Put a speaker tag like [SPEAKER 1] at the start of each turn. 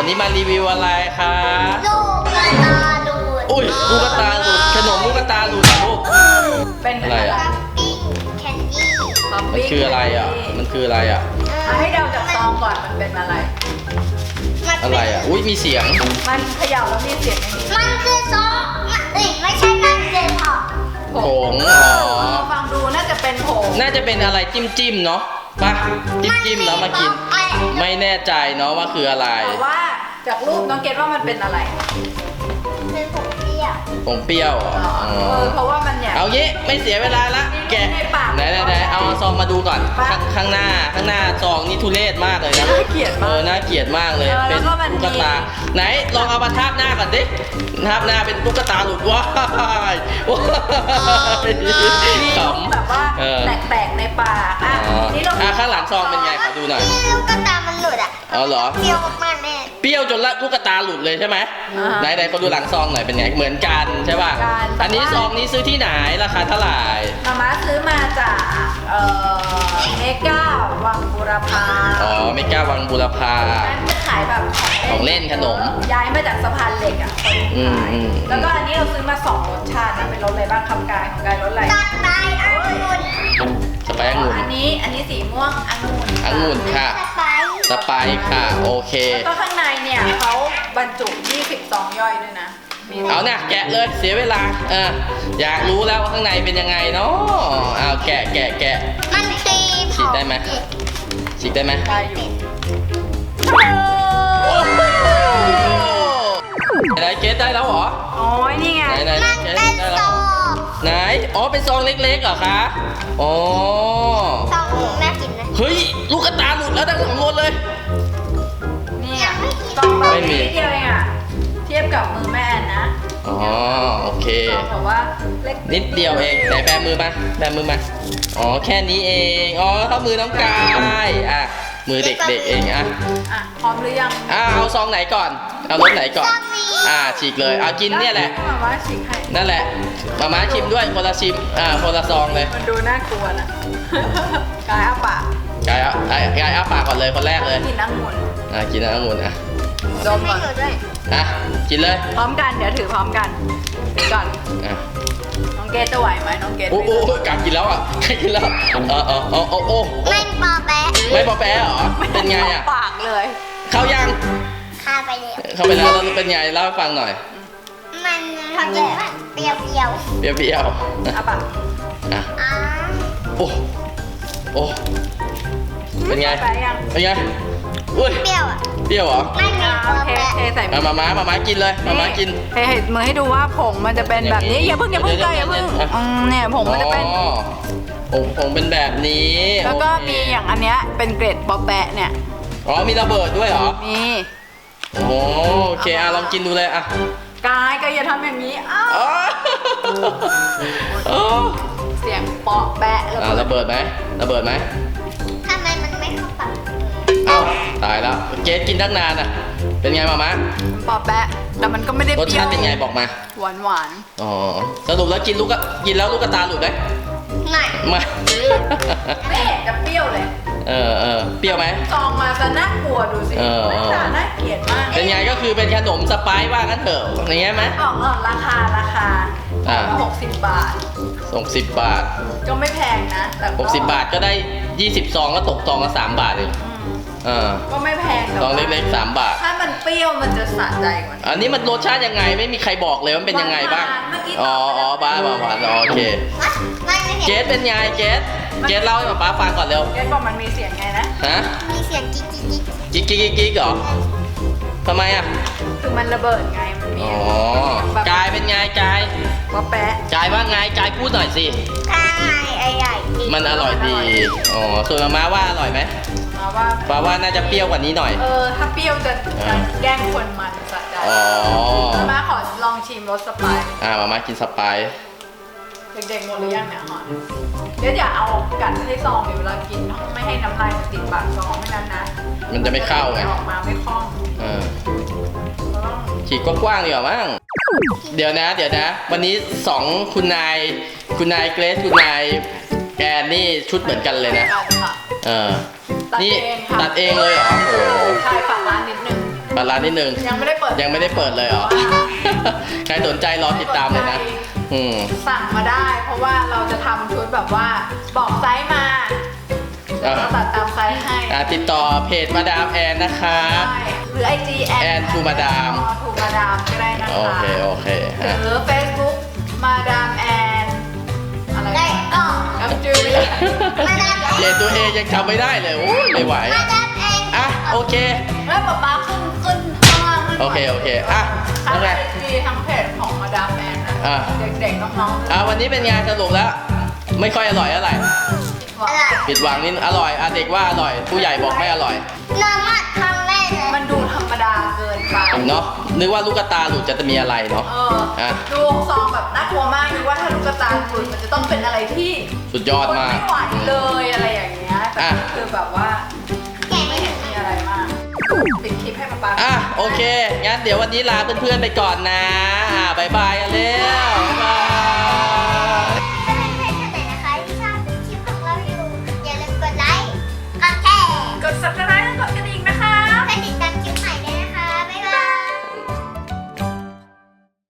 [SPEAKER 1] วันนี้มารีวิวอะไรคะ
[SPEAKER 2] ลูกกระตาดูด
[SPEAKER 1] อุ้ยลูกกระตาหลุดขนมลูกกระตาหลุดลูก
[SPEAKER 3] เป็นอะไร
[SPEAKER 1] อะไรอะ
[SPEAKER 2] ทัฟฟี่แคนดี้
[SPEAKER 1] มันคืออะไรอ่ะมันคืออะไรอ่ะ
[SPEAKER 3] ให้เดาจากซองก่อนมันเป็นอะไร
[SPEAKER 1] อะไรอ่ะอุ้ยมีเสียง
[SPEAKER 3] มันเขย่าแล้วมีเสียงอย่างนี้
[SPEAKER 2] มันคือซอสไม่ใช่มันคือหอม
[SPEAKER 1] ผงอ๋อ
[SPEAKER 3] ฟังดูน่าจะเป็นผง
[SPEAKER 1] น่าจะเป็นอะไรจิ้มเนาะป่ะจิ้มแล้วมากิน ไม่แน่ใจเนาะว่าคืออะไร
[SPEAKER 3] แต่ว่าจากรูปน้องเกดว่ามันเป็นอะไร
[SPEAKER 2] เป็นผงเปรี้ยว
[SPEAKER 1] ผงเปรี้ยวเหรออ๋อ
[SPEAKER 3] เพราะว่ามันเนี่ย
[SPEAKER 1] เอางี้ไม่เสียเวลาละแกะ
[SPEAKER 3] ในปาก
[SPEAKER 1] ไหนเอาซองมาดูก่อนข้างหน้าซองนี่ทุเรศมากเลยนะ
[SPEAKER 3] น่าเกลียดมาก
[SPEAKER 1] น่าเกลียดมากเลย
[SPEAKER 3] แล้ว
[SPEAKER 1] เป็น
[SPEAKER 3] ก็มัน
[SPEAKER 1] ตุ๊กตา ไหนลองเอามาทาบหน้าก่อนดิทาบหน้าเป็นตุ๊กตาหลุดว้ายขำ
[SPEAKER 3] แบบว่าแตกๆในปากอ่ะนี่เรา
[SPEAKER 1] ข้างหลังซองเป็นไงขอดูหน่อย
[SPEAKER 2] ที่ลูกกระตามันหลุดอ่ะ
[SPEAKER 1] อ๋อเหรอ
[SPEAKER 2] เปรี้ยวมากๆแน่
[SPEAKER 1] เปรี้ยวจนลูกตาหลุดเลยใช่ไหมไหนขอดูหลังซองหน่อยเป็นไงเหมือนกันใช่ป่ะอันนี้ซองนี้ซื้อที่ไหนราคาเท่าไหร่
[SPEAKER 3] มาซื้อมาจากเมก้าวังบูรพา
[SPEAKER 1] อ๋อเมกาวังบุรพา
[SPEAKER 3] ร้านจะขายแบบ
[SPEAKER 1] ของเล่นขนม
[SPEAKER 3] ย้ายมาจากสะพานเหล็กอ่ะ
[SPEAKER 1] อืม
[SPEAKER 3] แล้วก็อันนี้เราซื้อมา2รสชาตินะเป็นรสอะไรบ้างคำกายของกายรสอะไร
[SPEAKER 2] ตัดไปองุ่น
[SPEAKER 1] สไปซ์องุ่น
[SPEAKER 3] อันนี้สีม่วงองุ่น
[SPEAKER 1] ค่ะ
[SPEAKER 2] สไปซ์
[SPEAKER 1] สไปซ์ค่ะโอเค
[SPEAKER 3] แล้วก็ข้างในเนี่ยเขาบรรจุ20ซองย่อยด้วยนะมี
[SPEAKER 1] เอาเนี่ยแกะเลยเสียเวลาอยากรู้แล้วว่าข้างในเป็นยังไงเนาะเอาแกะ
[SPEAKER 2] มันตี
[SPEAKER 1] ฉีดได้ไหม ฉีกได้ไหม
[SPEAKER 3] ได้อยู่
[SPEAKER 1] โอ้โหไหนเกสได้แล้วเหรอ
[SPEAKER 3] โอ้ยนี่ไง
[SPEAKER 1] ไหน
[SPEAKER 2] มัน
[SPEAKER 1] เกส
[SPEAKER 2] เป็น
[SPEAKER 1] ได้
[SPEAKER 2] ซ
[SPEAKER 1] แล้ว
[SPEAKER 2] อง
[SPEAKER 1] ไหนอ๋อเป็นซองเล็กๆเหรอคะอ๋อ
[SPEAKER 2] ซองน่ากินนะ
[SPEAKER 1] เฮ้ยลูกกระตาหลุดแล้วทั้งสองคนเลย
[SPEAKER 3] นี่อ่ะซองแบบ
[SPEAKER 1] ไม่มี
[SPEAKER 3] นิดเดียวเองอ่ะเทียบกับมือแม่แอนนะ
[SPEAKER 1] อ๋อโอเค
[SPEAKER 3] ซองแบบว่าเล็ก
[SPEAKER 1] นิดเดียวเองไหนแบมือมาอ๋อแค่นี้เองอ๋อเท่ามือน้องกายมือเด็กๆเอง
[SPEAKER 3] อ่ะพร้อมหรือยัง
[SPEAKER 1] เอาซองไหนก่อนเอารสไหนก่อนฉีกเลยเอากินเนี่ยแหละ
[SPEAKER 3] แบบว่าฉีกให้
[SPEAKER 1] นั่นแหละมาชิมด้วยคนละชิมคนละซองเลย
[SPEAKER 3] มันดูน่ากลัวนะกายอ้าปาก
[SPEAKER 1] กายอ้าปากก่อนเลยคนแรกเลย
[SPEAKER 3] กินองุ่น
[SPEAKER 1] กินองุ่น
[SPEAKER 3] ดม
[SPEAKER 2] ไม่
[SPEAKER 3] ก่อน
[SPEAKER 2] หลุดด้วย
[SPEAKER 1] กินเลย
[SPEAKER 3] พร้อมกันเดี๋ยวถือพร้อมกันถือก่อนน้องเกดจะไหวไหมน้องเกด
[SPEAKER 1] โอ้การกินแล้วกินแล้ว
[SPEAKER 2] ไม่ปอแปะ
[SPEAKER 1] ไม่พอแปะเหรอเป็นไง
[SPEAKER 3] ปากเลย
[SPEAKER 1] เข้ายัง
[SPEAKER 2] คาไปเลย
[SPEAKER 1] เข้าไปแล้วแล้วเป็นไงเล่าให้ฟังหน่อย
[SPEAKER 2] มันทำแบบเปรี้ยว
[SPEAKER 1] เปรี้ยว
[SPEAKER 3] อ้าปาก
[SPEAKER 1] ๆ
[SPEAKER 2] ๆ
[SPEAKER 1] โอ้เป็นไง
[SPEAKER 3] ไปยัง
[SPEAKER 1] เป็นไงอุ้ย
[SPEAKER 2] เปรี้ยวอ่ะ
[SPEAKER 1] เปรี้ยวเหรอ
[SPEAKER 2] ไม่มีปอ
[SPEAKER 3] เท
[SPEAKER 2] แปะ
[SPEAKER 3] ใส่
[SPEAKER 1] มาม้ากินเลยมากิน
[SPEAKER 3] เทมือให้ดูว่าผงมันจะเป็นแบบนี้อย่าเพิ่งกายอย่าเพิ่งเนี่ยผงมันจะเป็น
[SPEAKER 1] ผงเป็นแบบนี้
[SPEAKER 3] แล้วก็มีอย่างอันเนี้ยเป็นเกรดปอแปะเนี่ย
[SPEAKER 1] มีระเบิดด้วยเหรอ
[SPEAKER 3] มี
[SPEAKER 1] โอเคลองกินดูเลย
[SPEAKER 3] กายอย่าทำอย่างนี้อ้าวเสียงปอแปะ
[SPEAKER 1] ระเบิดไหม
[SPEAKER 2] ทำไมมันไม่เข้าปาก
[SPEAKER 1] ตายแล้วเกสกินตั้งนานเป็นไงมา
[SPEAKER 3] ปอแปะแต่มันก็ไม่ได้
[SPEAKER 1] รส
[SPEAKER 3] เปรี้ย
[SPEAKER 1] ชาว ติเป็นไงบอกมา
[SPEAKER 3] หวาน
[SPEAKER 1] อ๋อสรุปแล้วกินแล้วลูกกระตาหลุดไหม
[SPEAKER 2] ไม่
[SPEAKER 1] ไม่
[SPEAKER 3] ไม่เห็นจะเปรี้ยวเลย
[SPEAKER 1] เปรี้ยวไหม
[SPEAKER 3] ซองมาจะน่ากลัวดูสิหน้าตาน่าเกลียดมาก
[SPEAKER 1] เป็นไงก็คือเป็นขนมสไปซ์ว่างั้นเถอะอย่างเงี้ยไหม
[SPEAKER 3] ออกราคา60 บาท
[SPEAKER 1] ส่ง10 บาท
[SPEAKER 3] ก็ไม่แพงนะแต่ก็
[SPEAKER 1] 60 บาทก็ได้20ซองก็ตกซองละ3 บาทเอง
[SPEAKER 3] ก็ไม่แพงแต่
[SPEAKER 1] ซองเล็กๆ3 บาท
[SPEAKER 3] ถ้ามันเปรี้ยวมันจะสะใจกว่านี้
[SPEAKER 1] อันนี้มันรสชาติยังไงไม่มีใครบอกเลยว่ามันเป็นยังไงบ้าง
[SPEAKER 3] เมื่อกี้
[SPEAKER 1] บ้าหวานโอเค
[SPEAKER 2] ไม่เห็น
[SPEAKER 1] เกสเป็นไงเกสเล่าให้ป๊าฟังก่อนเร็ว
[SPEAKER 3] เกดบอกมันมีเสียงไงนะ
[SPEAKER 1] ฮะ
[SPEAKER 2] มีเสียงกิ๊กกิ๊กกิ๊ก
[SPEAKER 1] กิ๊กเหรอทำไม
[SPEAKER 3] คือมันระเบิดไงมันมี
[SPEAKER 1] กายเป็นไงกาย
[SPEAKER 3] ปอแปะ
[SPEAKER 1] กายว่าไงกายพูดหน่อยสิ
[SPEAKER 2] ข้างในใหญ่ๆ
[SPEAKER 1] มันอร่อยดีส่วนม้าว่าอร่อยไหม
[SPEAKER 3] มาว่า
[SPEAKER 1] ป้าว่าน่าจะเปรี้ยวกว่านี้หน่อย
[SPEAKER 3] ถ้าเปรี้ยวจะแกล้งคนมันสะใจมาขอลองชิมรสสไปซ์
[SPEAKER 1] มากินสไปซ์
[SPEAKER 3] เด็กๆหมดหรือยังเนี่ยหอนเดี๋ยวอย่าเอากัดให้ซองเดี๋ยวเวลากินไม่ให้น้ำลายมันติดปากซองไม่นั้นนะ
[SPEAKER 1] มันจะไม่เข้าไง
[SPEAKER 3] ออกมาไม่คล่อง
[SPEAKER 1] ฉีกกว้างๆดีกว่ามั้งเดี๋ยวนะวันนี้2คุณนายเกรซคุณนายแกนนี่ชุดเหมือนกันเลยนะ
[SPEAKER 3] ค่ะ
[SPEAKER 1] นี่ตัดเองเลยเหรอโอ้
[SPEAKER 3] ใช่ฝากร้านนิดนึง
[SPEAKER 1] เปิดร้านนิดนึง
[SPEAKER 3] ยังไม่ได้เปิด
[SPEAKER 1] ยังไม่ได้เปิดเลยเหรอ ใครสนใจรอติดตามเลยนะ
[SPEAKER 3] สั่งมาได้ เพราะว่าเราจะทำชุดแบบว่าบอกไซส์มาเดี๋ยวเราตัดตามไซส์ให้
[SPEAKER 1] ติดต่อเพจมาดามแอนนะคะ
[SPEAKER 3] ใช่หรือ IG แอน
[SPEAKER 1] ทูมาดาม
[SPEAKER 3] ทูมาดามก็ได้นะคะ
[SPEAKER 1] โอเคฮะ
[SPEAKER 3] หรือ Facebook มาดามแอนอะไร
[SPEAKER 2] ได้ออก
[SPEAKER 3] กับจือ
[SPEAKER 2] มาดาม
[SPEAKER 1] เพจตัวเองยังจำไม่ได้เลยโอ้ยไม่ไหว
[SPEAKER 2] มาดามเอง
[SPEAKER 1] อ่ะโอเค
[SPEAKER 3] แล้วป๊าป๊าขึ้นข้างล่างให้หน่ย
[SPEAKER 1] โอเคอ่ะ
[SPEAKER 3] ทั้
[SPEAKER 1] แล้ว
[SPEAKER 3] ง
[SPEAKER 1] ไง
[SPEAKER 3] IG ทั้งเพจของมาดามแอนนะ
[SPEAKER 1] อ่ะ
[SPEAKER 3] เด็กๆน้องๆ
[SPEAKER 1] วันนี้เป็นไงสรุปแล้ว ไม่ค่อยอร่อยอะไร
[SPEAKER 2] อะไร
[SPEAKER 1] ผิดหวังนิดอร่อยเด็กว่าอร่อย ผู้ใหญ่บอกไม่อร่อย
[SPEAKER 2] น้ำมัดครั้งแรกเลย
[SPEAKER 3] มันดูธรรมดาเกินไป
[SPEAKER 1] เนาะนึกว่าลูกตาหลุดจะมีอะไรเนาะ
[SPEAKER 3] อ่ะดูซองแบบน่ากลัวมากนึกว่าถ้าลูกตาหลุดมันจะต้องเป็นอะไรที่
[SPEAKER 1] สุดยอดมาก
[SPEAKER 3] ไม่ไหวเลยอะไรอย่างเงี้ยแต่
[SPEAKER 1] อ่ะ
[SPEAKER 3] คือแบบว่า
[SPEAKER 2] แกะ
[SPEAKER 3] ไม่
[SPEAKER 2] ไม่
[SPEAKER 3] เห็
[SPEAKER 2] ถึ
[SPEAKER 3] น
[SPEAKER 2] ง
[SPEAKER 3] มีอะไรมากปิดคลิปให้ป๊าป๊า
[SPEAKER 1] โอเค งั้นเดี๋ยววันนี้ลาเพื่อนๆไปก่อนนะบายบายกันเร็วบ๊ายบาย
[SPEAKER 2] ถ้าเป็นเพจไหนนะคะที่ชอบคลิปของเราอยู่อย่าลืมกดไลค์กดแชร์
[SPEAKER 3] กด subscribe